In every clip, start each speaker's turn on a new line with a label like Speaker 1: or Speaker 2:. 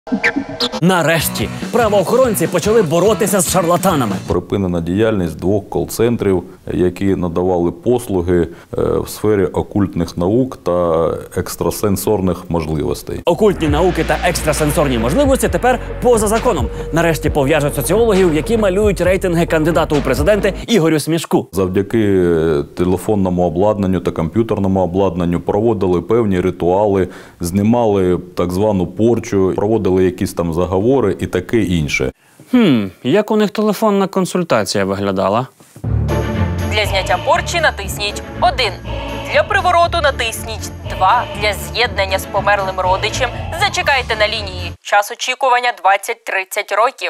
Speaker 1: Нарешті правоохоронці почали боротися з шарлатанами.
Speaker 2: Припинена діяльність 2 кол-центрів, які надавали послуги в сфері окультних наук та екстрасенсорних можливостей.
Speaker 1: Окультні науки та екстрасенсорні можливості тепер поза законом. Нарешті пов'яжуть соціологів, які малюють рейтинги кандидату у президенти Ігорю Смішку.
Speaker 2: Завдяки телефонному обладнанню та комп'ютерному обладнанню проводили певні ритуали, знімали так звану порчу, проводили якісь там заговори і таке інше.
Speaker 1: Як у них телефонна консультація виглядала?
Speaker 3: Для зняття порчі натисніть 1. Для привороту натисніть 2. Для з'єднання з померлим родичем зачекайте на лінії. Час очікування 20-30 років.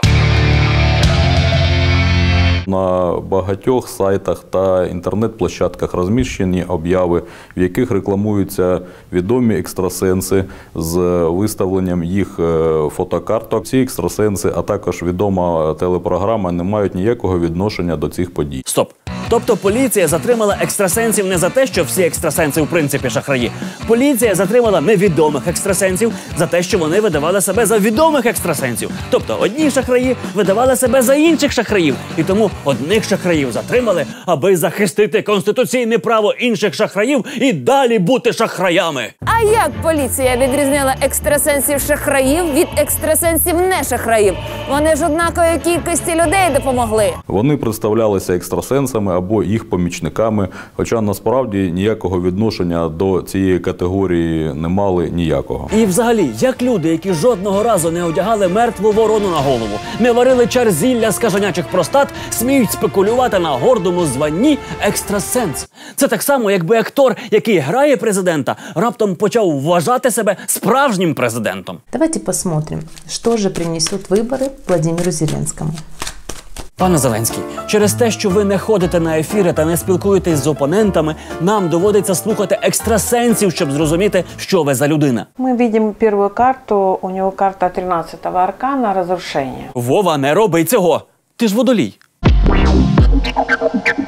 Speaker 2: На багатьох сайтах та інтернет-площадках розміщені обяви, в яких рекламуються відомі екстрасенси з виставленням їх фотокарток. Ці екстрасенси, а також відома телепрограма не мають ніякого відношення до цих подій.
Speaker 1: Стоп. Тобто поліція затримала екстрасенсів не за те, що всі екстрасенси в принципі шахраї. Поліція затримала невідомих екстрасенсів за те, що вони видавали себе за відомих екстрасенсів. Тобто одні шахраї видавали себе за інших шахраїв. І тому одних шахраїв затримали, аби захистити конституційне право інших шахраїв і далі бути шахраями.
Speaker 4: А як поліція відрізнила екстрасенсів-шахраїв від екстрасенсів-не-шахраїв? Вони ж однакової кількості людей допомогли.
Speaker 2: Вони представлялися екстрасенсами або їх помічниками, хоча насправді ніякого відношення до цієї категорії не мали ніякого.
Speaker 1: І взагалі, як люди, які жодного разу не одягали мертву ворону на голову, не варили чар зілля з кажанячих простат, сміють спекулювати на гордому званні екстрасенс. Це так само, якби актор, який грає президента, раптом почав вважати себе справжнім президентом.
Speaker 5: Давайте посмотрим, що же принесуть вибори Владимиру Зеленському.
Speaker 1: Пане Зеленський, через те, що ви не ходите на ефіри та не спілкуєтесь з опонентами, нам доводиться слухати екстрасенсів, щоб зрозуміти, що ви за людина.
Speaker 6: Мы видим первую карту, у него карта 13-го аркана «Разрушение».
Speaker 1: Вова, не роби цього! Ти ж водолій.